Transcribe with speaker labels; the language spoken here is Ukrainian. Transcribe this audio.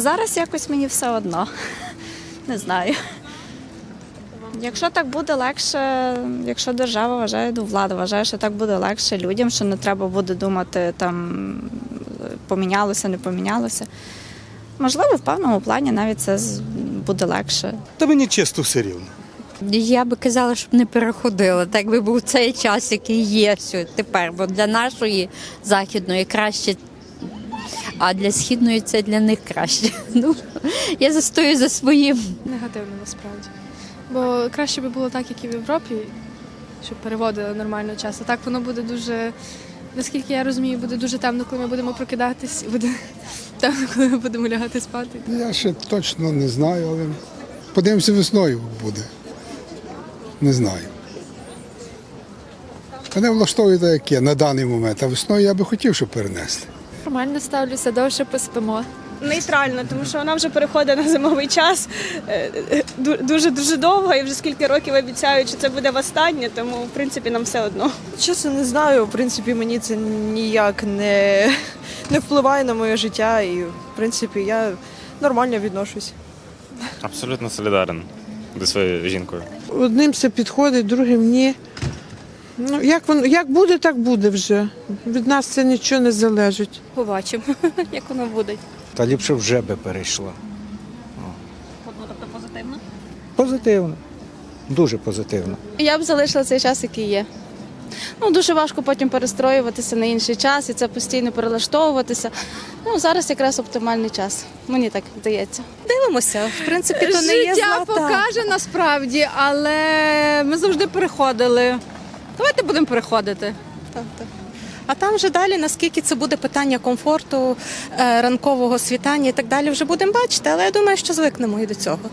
Speaker 1: Зараз якось мені все одно. Не знаю. Якщо так буде легше, якщо держава вважає, влада вважає, що так буде легше людям, що не треба буде думати, там, помінялося, не помінялося. Можливо, в певному плані навіть це буде легше.
Speaker 2: Та мені чисто все рівно.
Speaker 3: Я би казала, щоб не переходила, так би був цей час, який є тепер, бо для нашої західної краще, а для східної це для них краще. Ну, я застою за своїм.
Speaker 4: Негативно насправді. Бо краще би було так, як і в Європі, щоб переводили нормально час. А так воно буде дуже, наскільки я розумію, буде дуже темно, коли ми будемо прокидатись, і буде темно, коли ми будемо лягати спати.
Speaker 5: Я ще точно не знаю, але подивимося, весною буде. Не знаю. Мене влаштовує так, як є на даний момент, а весною я би хотів, щоб перенесли.
Speaker 4: Нормально ставлюся, довше поспимо.
Speaker 6: Нейтрально, тому що вона вже переходить на зимовий час дуже довго і вже скільки років обіцяють, що це буде востаннє, тому в принципі нам все одно.
Speaker 7: Чесно, не знаю. В принципі, мені це ніяк не впливає на моє життя і, в принципі, я нормально відношусь.
Speaker 8: Абсолютно солідарен зі своєю жінкою.
Speaker 9: Одним це підходить, другим ні. Ну, як буде, так буде вже. Від нас це нічого не залежить.
Speaker 1: Побачимо, як воно буде.
Speaker 10: Та ліпше вже би перейшла.
Speaker 1: Тобто позитивно?
Speaker 10: Позитивно. Дуже позитивно.
Speaker 11: Я б залишила цей час, який є. Ну, дуже важко потім перестроюватися на інший час і це постійно перелаштовуватися. Ну, зараз якраз оптимальний час. Мені так здається.
Speaker 1: Дивимося. В принципі, то не є
Speaker 3: Життя покаже насправді, але ми завжди переходили. Давайте будемо переходити.
Speaker 1: Так. А там вже далі, наскільки це буде питання комфорту, ранкового світання і так далі, вже будемо бачити, але я думаю, що звикнемо і до цього.